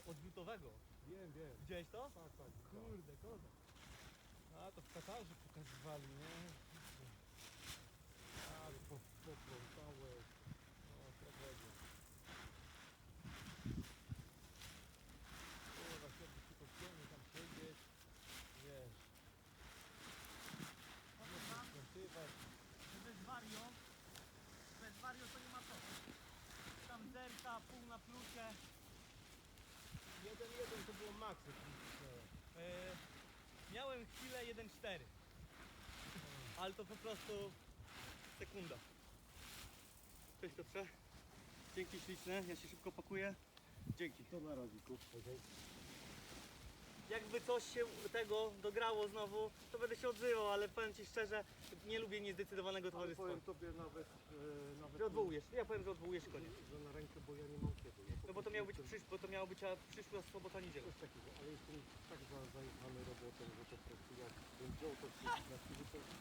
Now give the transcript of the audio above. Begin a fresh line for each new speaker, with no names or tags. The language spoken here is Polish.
odrzutowego.
Wiem.
Widziałeś to?
Tak.
Kurde, kozak. A to w Katarze pokazywali, nie?
Ale poplątałeś.
No, tragedia. Kurwa, chciałby się podciągnąć, tam siedzieć. Wiesz. Skątywać.
Bez wario to nie ma co. Tam zerka, pół na plusie.
1-1 to było maks.
Miałem chwilę 1,4. Ale to po prostu sekunda. Cześć Piotrze. Dzięki śliczne, ja się szybko pakuję. Dzięki.
To na raziku.
Jakby coś się tego dograło znowu, to będę się odzywał, ale powiem Ci szczerze, nie lubię niezdecydowanego
Ale
towarzystwa.
powiem tobie nawet,
Że odwołujesz, ja powiem, że odwołujesz i koniec.
że na rękę, bo ja nie mam kiedy. Ja po
No bo to
prostu
miało być
jestem-
bo to miało być przyszła sobota, niedziela.
Coś takiego, ale jestem tak zajechany robotą, że po prostu jak bym wziął to wszystko na chwilę, to